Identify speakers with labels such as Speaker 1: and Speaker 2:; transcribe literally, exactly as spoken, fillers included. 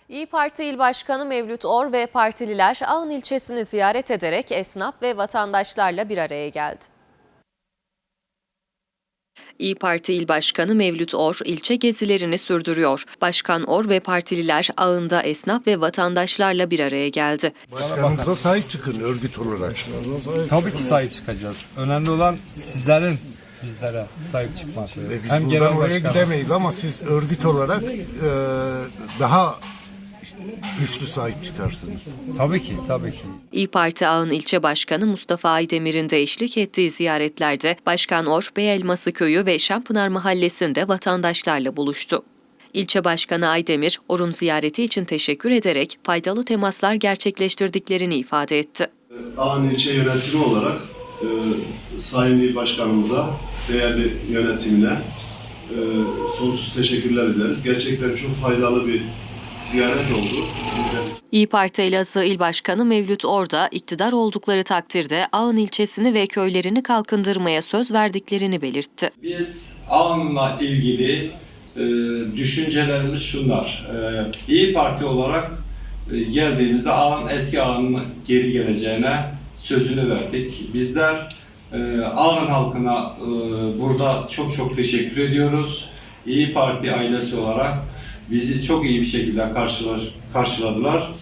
Speaker 1: İYİ Parti İl Başkanı Mevlüt Or ve partililer Ağın ilçesini ziyaret ederek esnaf ve vatandaşlarla bir araya geldi. İYİ Parti İl Başkanı Mevlüt Or ilçe gezilerini sürdürüyor. Başkan Or ve partililer Ağın'da esnaf ve vatandaşlarla bir araya geldi.
Speaker 2: Başkanınıza sahip çıkın örgüt olarak.
Speaker 3: Tabii ki sahip çıkacağız. Önemli olan sizlerin bizlere sahip çıkması.
Speaker 2: Ve biz
Speaker 3: Hem
Speaker 2: buradan
Speaker 3: genel
Speaker 2: oraya
Speaker 3: başkan.
Speaker 2: gidemeyiz ama siz örgüt olarak e, daha güçlü sahip çıkarsınız.
Speaker 3: Tabii ki, tabii ki.
Speaker 1: İYİ Parti Ağın İlçe Başkanı Mustafa Aydemir'in de eşlik ettiği ziyaretlerde Başkan Or, Beyelması Köyü ve Şampınar Mahallesi'nde vatandaşlarla buluştu. İlçe Başkanı Aydemir, Or'un ziyareti için teşekkür ederek faydalı temaslar gerçekleştirdiklerini ifade etti.
Speaker 4: Ağın ilçe yönetimi olarak e, Sayın İl Başkanımıza, değerli yönetimine e, sonsuz teşekkürler ederiz. Gerçekten çok faydalı bir ziyaret oldu.
Speaker 1: İYİ Parti Elazığ İl Başkanı Mevlüt Or da iktidar oldukları takdirde Ağın ilçesini ve köylerini kalkındırmaya söz verdiklerini belirtti.
Speaker 5: Biz Ağın'la ilgili e, düşüncelerimiz şunlar. E, İYİ Parti olarak e, geldiğimizde Ağın eski Ağın'ın geri geleceğine sözünü verdik. Bizler e, Ağın halkına e, burada çok çok teşekkür ediyoruz. İYİ Parti ailesi olarak bizi çok iyi bir şekilde karşılar, karşıladılar.